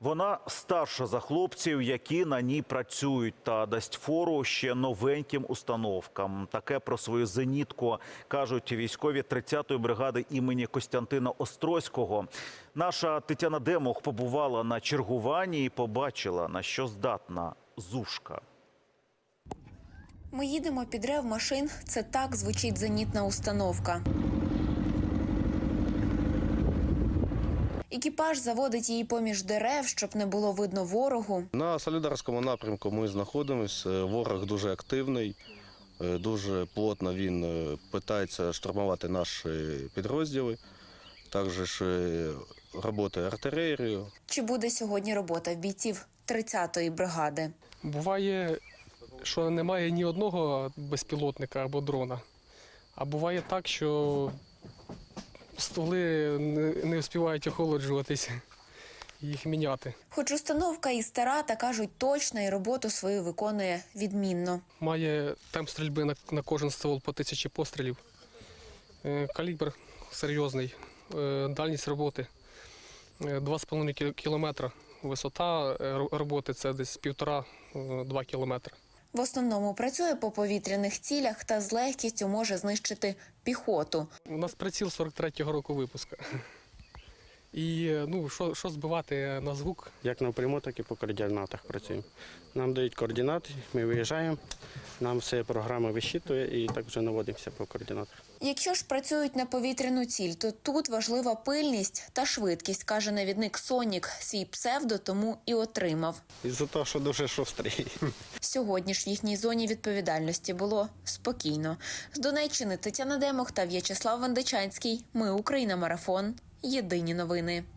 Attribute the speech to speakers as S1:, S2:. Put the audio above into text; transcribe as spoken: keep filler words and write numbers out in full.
S1: Вона старша за хлопців, які на ній працюють, та дасть фору ще новеньким установкам. Таке про свою зенітку кажуть військові тридцятої бригади імені Костянтина Острозького. Наша Тетяна Демух побувала на чергуванні і побачила, на що здатна Зушка.
S2: Ми їдемо під рев машин. Це так звучить зенітна установка. Екіпаж заводить її поміж дерев, щоб не було видно ворогу.
S3: На Солидарському напрямку ми знаходимося. Ворог дуже активний, дуже плотно він намагається штурмувати наші підрозділи. Також працює артилерією.
S2: Чи буде сьогодні робота в бійців тридцятої бригади?
S4: Буває, що немає ні одного безпілотника або дрона. А буває так, що стволи не встигають охолоджуватися, їх міняти.
S2: Хоч установка і стара, та кажуть точно, і роботу свою виконує відмінно.
S4: Має темп стрільби на, на кожен ствол по тисячі пострілів. Е, калібр серйозний, е, дальність роботи два з половиною кілометра. Висота роботи – це десь півтора-два кілометри.
S2: В основному працює по повітряних цілях та з легкістю може знищити піхоту.
S4: У нас приціл сорок третього року випуску. І ну, що, що збивати на звук?
S5: Як напряму, так і по координатах працюємо. Нам дають координати, ми виїжджаємо, нам все програма висчитує і так вже наводимося по координатах.
S2: Якщо ж працюють на повітряну ціль, то тут важлива пильність та швидкість, каже навідник Сонік. Свій псевдо тому і отримав.
S5: Із-за того, що дуже шустрий.
S2: Сьогодні ж в їхній зоні відповідальності було спокійно. З Донеччини Тетяна Демух та В'ячеслав Вандичанський. Ми Україна. Марафон. Єдині новини.